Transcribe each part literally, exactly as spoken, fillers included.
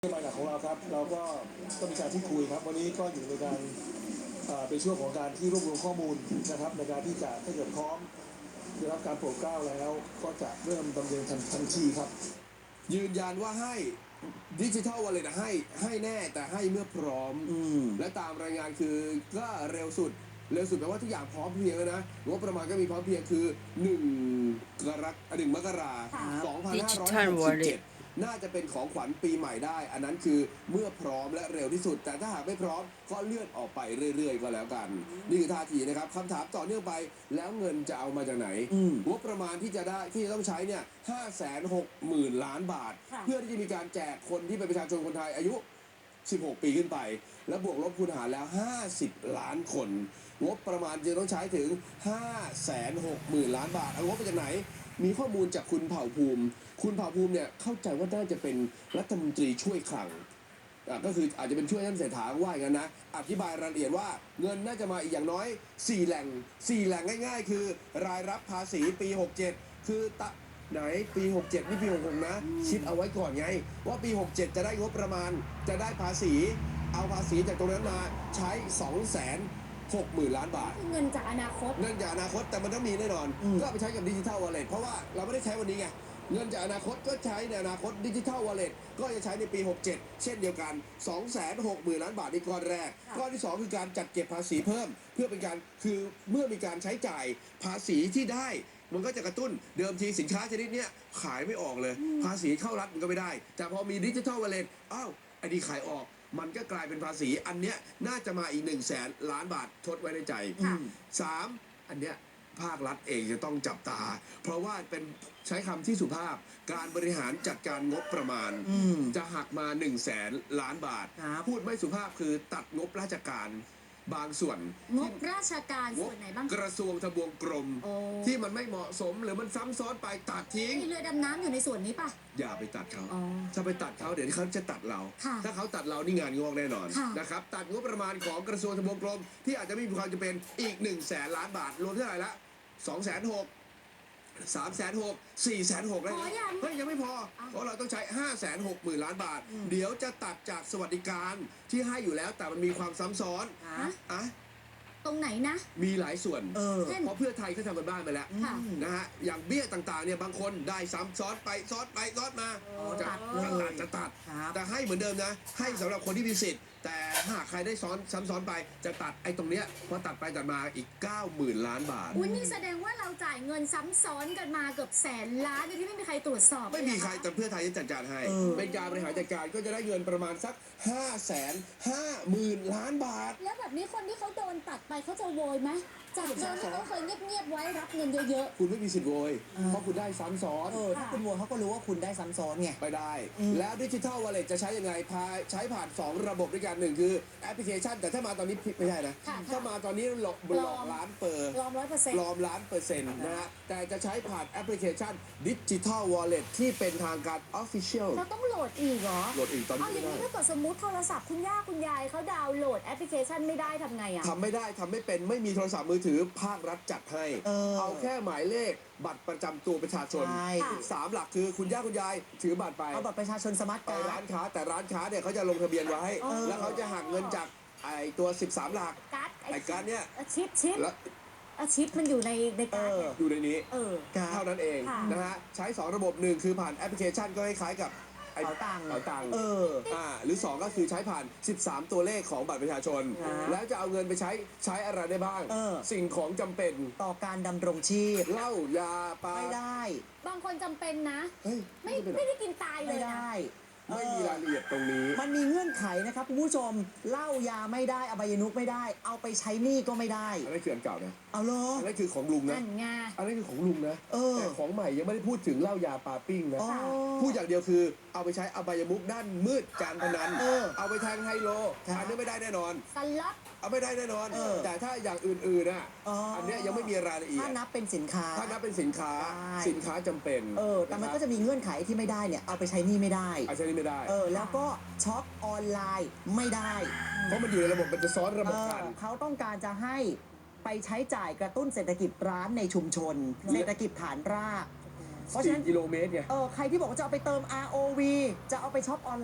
นโยบายหลักของเราครับเราก็ก็มีการพูดคุยครับวันนี้ก็อยู่ในการเป็นช่วงของการที่รวบรวมข้อมูลนะครับในการที่จะถ้าเกิดพร้อมได้รับการโปรดเกล้าแล้วก็จะเริ่มดำเนินทันทีครับยืนยันว่าให้ดิจิทัลวอลเล็ตให้ให้แน่แต่ให้เมื่อพร้อมและตามรายงานคือก็เร็วสุดเร็วสุดแปลว่าทุกอย่างพร้อมเพรียงแล้วนะงบประมาณก็มีพร้อมเพรียงคือหนึ่งกรกฎาคมหนึ่งมกราคมสองพันห้าร้อยหกสิบเจ็ดน่าจะเป็นของขวัญปีใหม่ได้อันนั้นคือเมื่อพร้อมและเร็วที่สุดแต่ถ้าหากไม่พร้อมก็เลื่อนออกไปเรื่อยๆก็แล้วกันนี่คือท่าทีนะครับคำถามต่อเนื่องไปแล้วเงินจะเอามาจากไหนงบประมาณที่จะได้ที่จะต้องใช้เนี่ยห้าแสนหกหมื่นล้านบาทเพื่อที่จะมีการแจกคนที่เป็นประชาชนคนไทยอายุสิบหกปีขึ้นไปและบวกลบคูณหารแล้วห้าสิบล้านคนงบประมาณจะต้องใช้ถึงห้าแสนหกหมื่นล้านบาทเอางบมาจากไหนมีข้อมูลจากคุณเผ่าภูมิคุณเผ่าภูมิเนี่ยเข้าใจว่าน่าจะเป็นรัฐมนตรีช่วยคลังก็คืออาจจะเป็นช่วยท่านเศรษฐาว่าอย่างนั้นนะอธิบายรายละเอียดว่าเงินน่าจะมาอีกอย่างน้อยสี่แหล่งสี่แหล่งง่ายๆคือรายรับภาษีปีหกเจ็ดคือตะไหนปีหกเจ็ดนี่ปีหกหกนะคิดเอาไว้ก่อนไงว่าปีหกเจ็ดจะได้งบประมาณจะได้ภาษีเอาภาษีจากตรงนั้นมาใช้สองแสนหกหมื่นล้านบาทเงินจากอนาคตเงินจากอนาคตแต่มันต้องมีแน่นอนก็ไปใช้กับดิจิทัลวอลเล็ตเพราะว่าเราไม่ได้ใช้วันนี้ไงเงินจากอนาคตก็ใช้ในอนาคตดิจิทัลวอลเล็ตก็จะใช้ในปีหกเจ็ดเช่นเดียวกัน สองแสนหกหมื่นล้านบาทในก้อนแรกก้อนที่สองคือการจัดเก็บภาษีเพิ่มเพื่อเป็นการคือเมื่อมีการใช้จ่ายภาษีที่ได้มันก็จะกระตุ้นเดิมทีสินค้าชนิดนี้ขายไม่ออกเลยภาษีเข้ารัฐมันก็ไม่ได้แต่พอมีดิจิทัลวอลเล็ตอ้าวไอ้นี่ขายออกมันก็กลายเป็นภาษีอันเนี้ยน่าจะมาอีกหนึ่งแสนล้านบาททดไว้ในใจสามอันเนี้ยภาครัฐเองจะต้องจับตาเพราะว่าเป็นใช้คำที่สุภาพการบริหารจัดการงบประมาณจะหักมาหนึ่งแสนล้านบาทพูดไม่สุภาพคือตัดงบราชการบางส่วนงบราชการส่วนไหนบ้างกระทรวงทบวงกรมที่มันไม่เหมาะสมหรือมันซ้ำซ้อนไปตัดทิ้งมีเรือดำน้ำอยู่ในส่วนนี้ปะอย่าไปตัดเขาถ้าไปตัดเขาเดี๋ยวเขาจะตัดเราถ้าเขาตัดเรานี่งานงอกแน่นอนนะครับตัดงบประมาณของกระทรวงทบวงกรมที่อาจจะไม่มีความจำเป็นอีกหนึ่งแสนล้านบาทรวมเท่าไหร่ละสองแสนหกสามแสนหกสี่แสนหกแล้วเฮ้ยยังไม่พอเพราะเราต้องใช้ห้าแสนหกหมื่นล้านบาทเดี๋ยวจะตัดจากสวัสดิการที่ให้อยู่แล้วแต่มันมีความซ้ำซ้อนอ่ะตรงไหนนะมีหลายส่วนเพราะเพื่อไทยเขาทำกันบ้านไปแล้วนะฮะอย่างเบี้ยต่างๆเนี่ยบางคนได้ซ้ำซ้อนไปซ้อนไปซ้อนมาจะตัดจะตัดแต่ให้เหมือนเดิมนะให้สำหรับคนที่มีสิทธิ์แต่หากใครได้ซ้อนซ้ำซ้อนไปจะตัดไอ้ตรงเนี้ยพอตัดไปตัดมาอีก เก้าหมื่น ล้านบาทอุ้ยนี่แสดงว่าเราจ่ายเงินซ้ำซ้อนกันมาเกือบแสนล้านโดยที่ไม่มีใครตรวจสอบไม่มีใครแต่เพื่อไทยจะจัดการให้เป็นการบริหารจัดการก็จะได้เงินประมาณสักห้าแสนห้าหมื่นล้านบาทแล้วแบบนี้คนที่เขาโดนตัดไปเขาจะโวยไหมจากเดิมที่เขาเคยเงียบๆไว้รับเงินเยอะๆคุณไม่มีสิทธิ์โวยเพราะคุณได้ซ้ำซ้อนถ้าคุณโวยเขาก็รู้ว่าคุณได้ซ้ำซ้อนไงไม่ได้แล้วดิจิทัลวอลเล็ตจะใช้ยังไงพาใช้ผ่านสองระบบด้วยกันหนึ่งคือแอปพลิเคชันแต่ถ้ามาตอนนี้ไม่ใช่นะถ้ามาตอนนี้หลอกหลอกล้านเปอร์ปลอมร้อยเปอร์เซ็นต์ปลอมล้านเปอร์เซ็นต์นะฮะแต่จะใช้ผ่านแอปพลิเคชันดิจิทัลวอลเล็ตที่เป็นทางการ Official เราต้องโหลดอีกเหรอโหลดอีกตอนนี้ไม่ได้อย่างนี้ถ้าเกิดสมมติโทรศัพท์คุณย่าคุณยายเขาดาวน์โหลดแอปพลิเคชันไม่ได้ทำไงอ่ะทำไม่ได้ทำไม่เป็นไม่มีโทรศัพท์มือถือภาครัฐจัดให้เอาแค่หมายเลขบัตรประจำตัวประชาชนสามหลักคือคุณย่าคุณยายถือบัตรไปเอาบัตรประชาชนสมาร์ทการ์ดไปร้านค้าแต่ร้านค้าเนี่ยเขาจะลงทะเบียนไว้แล้วเขาจะหักเงินจากไอตัวสิบสามหลักไอการ์ดเนี่ยชิปชิปชิปมันอยู่ในในการ์ดอยู่ในนี้เท่านั้นเองนะฮะใช้สองระบบหนึ่งคือผ่านแอปพลิเคชันก็คล้ายๆกับเป๋าตังค์เป๋าตังค์เอออ่าหรือสองก็คือใช้ผ่านสิบสามตัวเลขของบัตรประชาชนแล้วจะเอาเงินไปใช้ใช้อะไรได้บ้างสิ่งของจำเป็นต่อการดำรงชีพเหล้ายาปลาไม่ได้บางคนจำเป็นนะไม่ไม่ได้กินตายเลยนะไม่มีรายละเอียดตรงนี้มันมีเงื่อนไขนะครับคุณผู้ชมเหล้ายาไม่ได้อบายมุขไม่ได้เอาไปใช้หนี้ก็ไม่ได้อันนี้คืออันเก่านะเอาเลยอันนี้คือของลุงนะอันนี้คือของลุงนะแต่ของใหม่ยังไม่ได้พูดถึงเหล้ายาปลาปิ้งนะพูดอย่างเดียวคือเอาไปใช้อบายมุขด้านมืดการพนันเอาไปแทงไฮโลอันนี้ไม่ได้แน่นอนสล็อตเอาไม่ได้แน่นอนแต่ถ้าอย่างอื่นๆน่ะอันนี้ยังไม่มีรายละเอียดถ้านับเป็นสินค้าถ้านับเป็นสินค้าสินค้าจำเป็นเออแต่มันก็จะมีเงื่อนไขที่ไม่ได้เนี่ยเอาไปใช้หนี้ไม่ได้เอาใช้หนี้ไม่ได้เออแล้วก็ช็อปออนไลน์ไม่ได้เพราะมันอยู่ในระบบมันจะซ้อนระบบกันเขาต้องการจะให้ไปใช้จ่ายกระตุ้นเศรษฐกิจร้านในชุมชนเศรษฐกิจฐานรากเพราะฉะนั้นกิโลเมตรไงเออใครที่บอกว่าจะเอาไปเติม อาร์ โอ วี จะเอาไปช็อปออนไลน์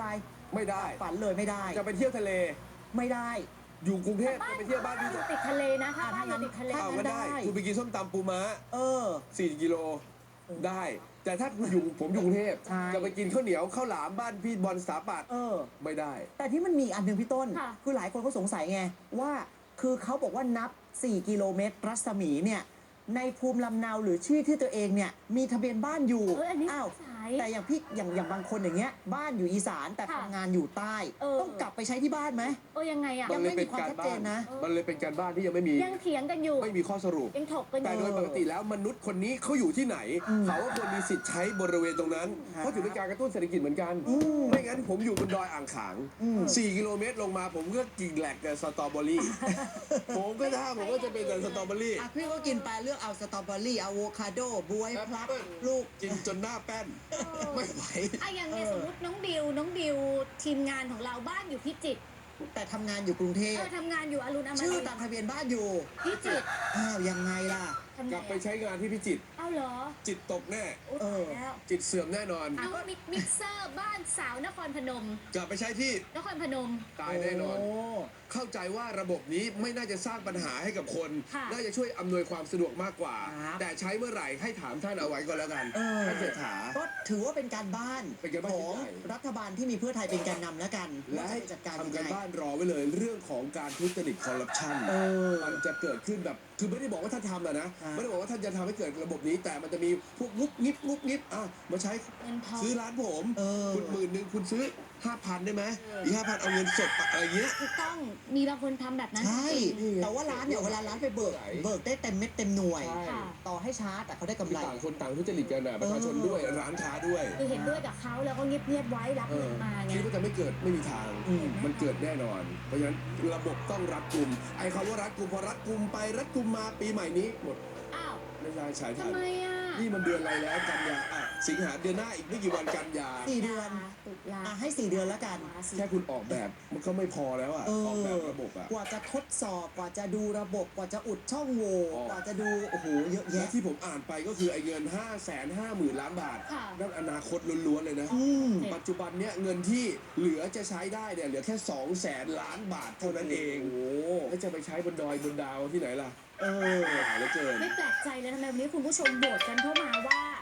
ไม่ได้ฝันเลยไม่ได้จะไปเที่ยวทะเลไม่ได้อยู่กรุงเทพจะไปเที่ยวบ้านพี่อยู่ติดทะเลนะถ้าบ้านอยู่ติดทะเลอ้าวก็ได้ได้คุณไปกินส้มตำปูม้าเออสี่กิโลได้ แต่ถ้าคุณอยู่ผมอยู่กรุงเทพใช่จะไปกินข้าวเหนียวข้าวหลามบ้านพี่บอลสถาปัตย์เออไม่ได้แต่ที่มันมีอันหนึ่งพี่ต้นค่ะคือหลายคนเขาสงสัยไงว่าคือเขาบอกว่านับ สี่ กิโลเมตรรัศมีเนี่ยในภูมิลำเนาหรือชื่อที่ตัวเองเนี่ยมีทะเบียนบ้านอยู่เอออันนี้อ้าวสายแต่อย่างพี่อย่างอย่างบางคนอย่างเงี้ยบ้านอยู่อีสานแต่ค่ะทำงานอยู่ใต้เออต้องกลับไปใช้ที่บ้านไหมเออยังไงอ่ะยังไม่มีความชัดเจนนะมันเลยเป็นการบ้านที่ยังไม่มียังเถียงกันอยู่ไม่มีข้อสรุปยังถกกันอแต่ยู่โดยปกติแล้วมนุษย์คนนี้เขาอยู่ที่ไหนอืมเขาก็ควรมีสิทธิ์ใช้บริเวณตรงนั้นครับเพราะถือเป็นการกระตุ้นเศรษฐกิจเหมือนกันอืมไม่งั้นผมอยู่บนดอยอ่างขางอืมสี่กิโลเมตรลงมาผมก็กินแหลกกับสตรอเบอรี่ ผมก็ถ้าผมก็จะเป็นแต่สตรอเบอรี่อ่ะพี่ก็กินไปเลือกเอาสตรอเบอรี่อะโวคาโดบวยแอปพลับเปิ้ลลูกกินจนหน้าแป้น ไม่ไหวอ่ะอย่างเนี่ยสมมติน้องดิวน้องดิวทีมงานของเราบ้านอยู่พิจิตรแต่ทำงานอยู่กรุงเทพเออทำงานอยู่อรุณอมชื่อรินตามทร์ทะเบียนบ้านอยู่พิจิตรอ้าวยังไงล่ะทำไงกลับไปอ่ะใช้งานที่พิจิตรเอ้าเหรอจิตตกแน่โอ้เอตาอยแล้วจิตเสื่อมแน่นอนน้องมิกมิกเซอร์บ้านสาวนครพนมกลับไปใช้ที่นครพนมตายแน่นอนโเข้าใจว่าระบบนี้ไม่น่าจะสร้างปัญหาให้กับคนค่ะน่าจะช่วยอำนวยความสะดวกมากกว่าครับแต่ใช้เมื่อไหร่ให้ถามท่านเอาไว้ก็แล้วกันเออท่านเศรษฐาก็ถือว่าเป็นการบ้านเป็นการบ้านของที่ใหญ่รัฐบาลที่มีเพื่อไทยเป็นแกนนำแล้วกันและว่าให้จะจัดการยังทำกันไงบ้านรอไว้เลยเรื่องของการทุจริตคอร์รัปชันเออมันจะเกิดขึ้นแบบคือไม่ได้บอกว่าท่านทำอะนะครับไม่ได้บอกว่าท่านจะทำให้เกิดระบบนี้ แต่มันจะมีพวกงุบงิบงุบงิบอ่ะมาใช้เงินทองซื้อร้านผมเออคุณหมื่นหนึ่งคุณซื้อห้าพันได้ไหมเอออีอีกห้าพันเอาเงินสดอะไรเงี้ยถูกต้องมีบางคนทำแบบนั้นใช่จริงแต่ว่าร้านเนี่ยเวลาร้านไปเบิกไหนเบิกได้เต็มเม็ดเต็มหน่วยใช่ค่ะต่อให้ช้าแต่เขาได้กำไรต่างคนต่างทุจริตกันนะประชาชนด้วยร้านค้าด้วยคือเห็นด้วยกับเขาแล้วก็เงียบๆไว้รับเอเงิอนมาไงคิดว่าจะไม่เกิดไม่มีทางอืมมันเกิดแน่นอน เพราะฉะนั้นระบบต้องรัดกุมไอ้คำว่ารัดกุมพอรัดกุมไปรัดกุมมาปีใหม่นี้หมดอ้าวไม่ได้ใช้ทัทำนไมอ่ะนี่มันเดือนอะไรแล้วกันยาอ่ะสิงหาเดือนหน้าอีกไม่กี่วันกันยาสี่เดือนตุลาอ่ะให้สี่เดือนแล้วกันแค่คุณออกแบบมันก็ไม่พอแล้วอ่ะเอออกแบบอระบบอ่ะกว่าจะทดสอบกว่าจะดูระบบกว่าจะอุดช่องโหว่อ๋อกว่าจะดูโอ้โหเยอะและแยะที่ผมอ่านไปก็คือไอ้เงินห้าแสนห้าหมื่นล้านบาทค่ะนั่นอนาคตล้วนๆเลยนะอืมเจ็ดปัจจุบันเนี้ยเงินที่เหลือจะใช้ได้เนี่ยเหลือแค่สองแสนล้านบาทเท่านั้นเองโอ้โหแล้วจะไปใช้บนดอยบนดาวที่ไหนล่ะเออหาเหลือเกินไม่แปลกใจเลยทำไมวันนี้คุณผู้ชมโหวตกันเข้ามาว่า